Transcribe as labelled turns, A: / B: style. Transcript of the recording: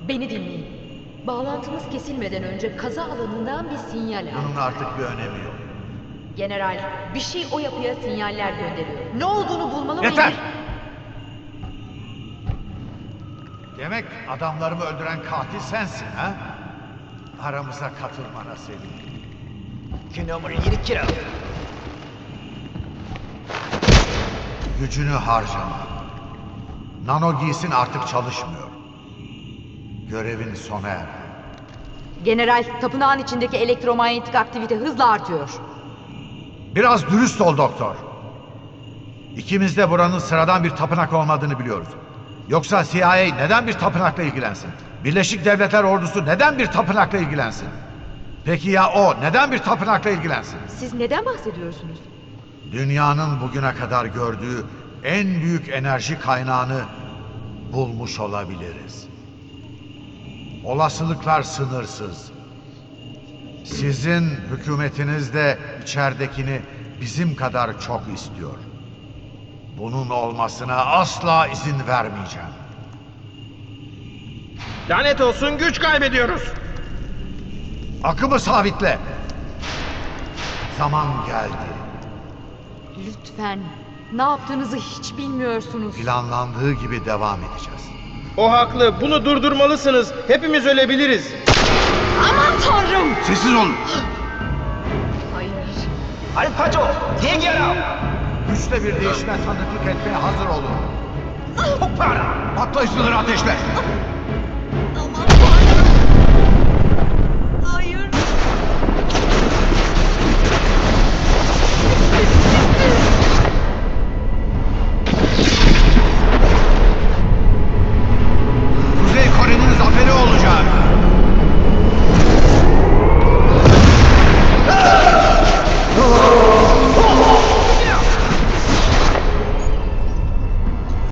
A: Beni dinleyin. Bağlantımız kesilmeden önce kaza alanından bir sinyal aldım.
B: Bunun artık bir önemi yok.
A: General, bir şey o yapıya sinyaller gönderiyor. Ne olduğunu bulmalı ve
B: Yeter! Demek adamlarımı öldüren katil sensin ha? Aramıza katılmana sevindim.
C: Que numero gli ritiro.
B: Gücünü harcama. Nano giysin artık çalışmıyor. Görevin sona erdi.
A: General, tapınağın içindeki elektromanyetik aktivite hızla artıyor.
B: Biraz dürüst ol doktor. İkimiz de buranın sıradan bir tapınak olmadığını biliyoruz. Yoksa CIA neden bir tapınakla ilgilensin? Birleşik Devletler Ordusu neden bir tapınakla ilgilensin? Peki ya o neden bir tapınakla ilgilensin?
A: Siz neden bahsediyorsunuz?
B: Dünyanın bugüne kadar gördüğü en büyük enerji kaynağını bulmuş olabiliriz. Olasılıklar sınırsız. Sizin hükümetiniz de içeridekini bizim kadar çok istiyor. Bunun olmasına asla izin vermeyeceğim.
C: Lanet olsun, güç kaybediyoruz.
B: Akımı sabitle. Zaman geldi.
A: Lütfen, ne yaptığınızı hiç bilmiyorsunuz.
B: Planlandığı gibi devam edeceğiz.
C: O haklı, bunu durdurmalısınız. Hepimiz ölebiliriz.
A: Aman tanrım!
B: Sessiz olun.
A: Hayır.
C: Alpaco, diğer
B: Güçle bir değişime tanıklık etmeye hazır olun.
C: Para.
B: Patlayıcıları ateşle.